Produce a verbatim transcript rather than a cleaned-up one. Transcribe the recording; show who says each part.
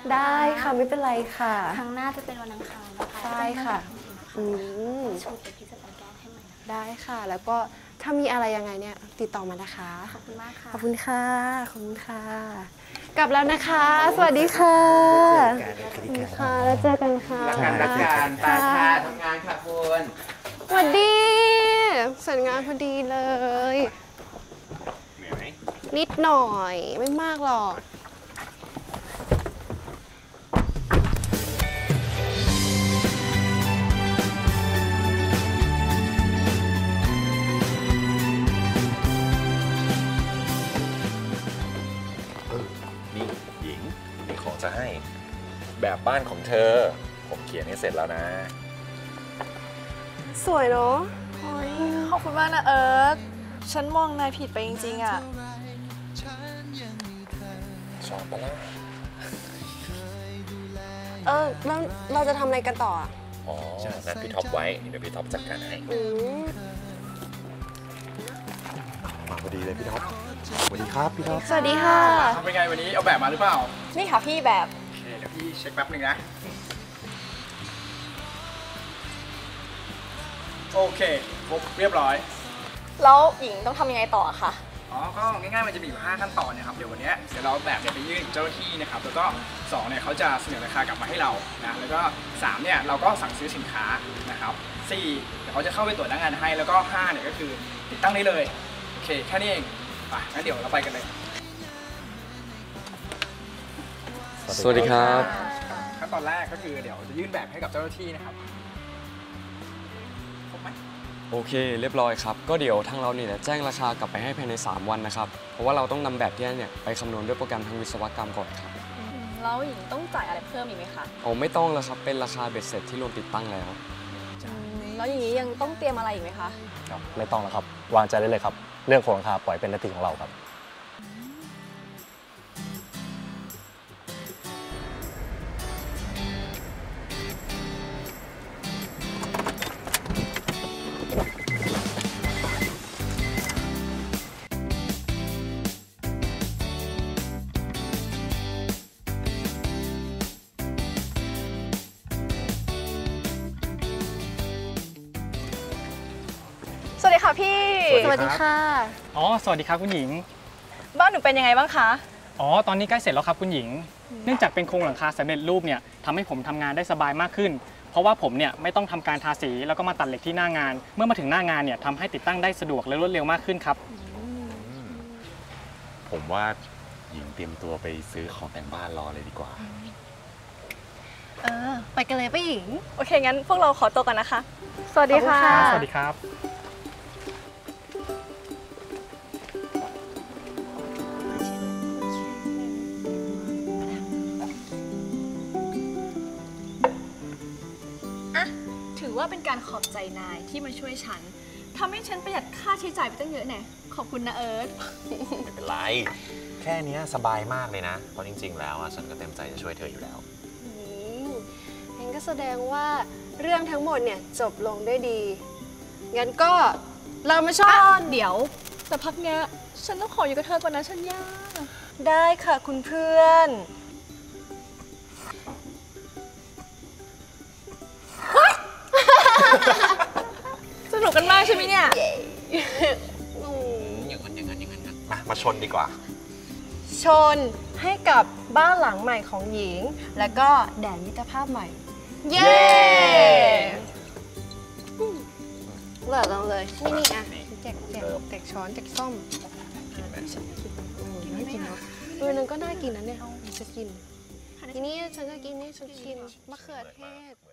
Speaker 1: ได้ค่ะไม่เป็นไรค่ะ
Speaker 2: ครั้งหน้าจะเป็นวันอังคารนะคะ
Speaker 1: ใช่ค่ะอืม
Speaker 2: ชุดเดี๋ยวพี่จะไปแก้ให้ใหม่นะ
Speaker 1: ได้ค่ะแล้วก็ถ้ามีอะไรยังไงเนี่ยติดต่อมานะคะ
Speaker 2: ขอบคุณมากค่ะ
Speaker 1: ขอบคุณค่ะขอบคุณค่ะกลับแล้วนะคะสวัสดีค่ะสวัสดีค่ะแล้วเจอกันค่ะ
Speaker 3: รักกันรักกันตาชาทำงานค่ะคุณ
Speaker 1: สวัสดีเสร็จงานพอดีเลย
Speaker 3: เหนื่อยไหม
Speaker 1: นิดหน่อยไม่มากหรอก
Speaker 4: นี่หญิงมีของจะให้แบบบ้านของเธอผมเขียนให้เสร็จแล้วนะ
Speaker 1: สวยเนาะ
Speaker 5: ขอบคุณมากนะเอิร์ธฉันมองนายผิดไปจริงๆอ่ะ
Speaker 4: ชอบปะล่ะ
Speaker 1: เออแล้วเราจะทำอะไรกันต่ออ่ะ
Speaker 4: อ๋อนัดพี่ท็อปไว้เดี๋ยวพี่ท็อปจัดการให้
Speaker 1: อืม
Speaker 4: มาพอดีเลยพี่ท็อปสวัสดีครับพี่ท็อป
Speaker 1: สวัสดีค่ะ
Speaker 3: เป็นไงวันนี้เอาแบบมาหรือเปล่า
Speaker 5: นี่ค่ะพี่แบบ
Speaker 3: โอเคเดี๋ยวพี่เช็คแป๊บหนึ่งนะโอเคครบเรียบร้อย
Speaker 5: แล้วหญิงต้องทำยังไงต่อคะ
Speaker 3: อ๋อก็ง่ายๆมันจะมีอยู่ห้าขั้นตอนนะครับเดี๋ยววันนี้เดี๋ยวเราแบบเนี่ยไปยื่นเจ้าหน้าที่นะครับแล้วก็สองเนี่ยเขาจะเสนอราคากลับมาให้เรานะแล้วก็สามเนี่ยเราก็สั่งซื้อสินค้านะครับสี่เดี๋ยวเขาจะเข้าไปตรวจหน้างานให้แล้วก็ห้าเนี่ยก็คือติดตั้งได้เลยโอเคแค่นี้เองไปงั้นเดี๋ยวเราไปกันเลย
Speaker 6: สวัสดีครับ
Speaker 3: ขั้นตอนแรกก็คือเดี๋ยวจะยื่นแบบให้กับเจ้าหน้าที่นะครับครบไหม
Speaker 6: โอเคเรียบร้อยครับก็เดี๋ยวทางเราเนี่ยแจ้งราคากลับไปให้ภายในสามวันนะครับเพราะว่าเราต้องนำแบบที่เนี่ยไปคำนวณด้วยโปรแกรมทางวิศวกรรมก่อนครับ
Speaker 5: แล้วหญิงต้องจ่ายอะไรเพิ่มอีกไหมคะ
Speaker 6: โอ้ไม่ต้องแล้วครับเป็นราคาเบ็ดเสร็จที่รวมติดตั้งแล้ว
Speaker 5: แล้วอย่างนี้ยังต้องเตรียมอะไรอีกไหมคะ
Speaker 7: ไม่ต้องแล้วครับวางใจได้เลยครับเรื่องของราคาปล่อยเป็นหน้าที่ของเราครับ
Speaker 5: สวัสดีค่ะพี่
Speaker 1: สวัสดีค่ะ
Speaker 8: อ๋อสวัสดีครับคุณหญิง
Speaker 5: บ้านหนูเป็นยังไงบ้างคะ
Speaker 8: อ๋อตอนนี้ใกล้เสร็จแล้วครับคุณหญิงเนื่องจากเป็นโครงหลังคาสำเร็จรูปเนี่ยทำให้ผมทำงานได้สบายมากขึ้นเพราะว่าผมเนี่ยไม่ต้องทำการทาสีแล้วก็มาตัดเหล็กที่หน้างานเมื่อมาถึงหน้างานเนี่ยทำให้ติดตั้งได้สะดวกและรวดเร็วมากขึ้นครับ
Speaker 4: ผมว่าหญิงเตรียมตัวไปซื้อของแต่งบ้านรอเลยดีกว่า
Speaker 1: เออไปกันเลยป้าหญิง
Speaker 5: โอเคงั้นพวกเราขอตัวกันนะคะ
Speaker 1: สวัสดีค่ะ
Speaker 8: สวัสดีครับ
Speaker 5: ถือว่าเป็นการขอบใจนายที่มาช่วยฉันทำให้ฉันประหยัดค่าใช้จ่ายไปตั้งเยอะแน่ขอบคุณนะเอิร์ธ
Speaker 4: ไม่เป็นไรแค่นี้สบายมากเลยนะเพราะจริงๆแล้วฉันก็เต็มใจจะช่วยเธออยู่แล้ว
Speaker 1: งั้นก็แสดงว่าเรื่องทั้งหมดเนี่ยจบลงด้วยดีงั้นก็เรามาชอบ
Speaker 5: เดี๋ยวแต่พักเนี้ยฉันต้องขออยู่กับเธอก่อนนะฉันยา
Speaker 1: ได้ค่ะคุณเพื่อน
Speaker 5: สนุกกันมากใช่ไหมเนี่ย
Speaker 4: อย่างนั้นอย่างนั้นอย่างนั้นมามาชนดีกว่า
Speaker 1: ชนให้กับบ้านหลังใหม่ของหญิงแล้วก็แดนมิตรภาพใหม่เย้เลิศลงเลยนี่นี่อ่ะแจกแจกแจกช้อนแจกส้มน่ากินเนาะเออนั่นก็น่ากินนะเนี่ยจะกินทีนี้ฉันจะกินนี่ฉันกินมะเขือเทศ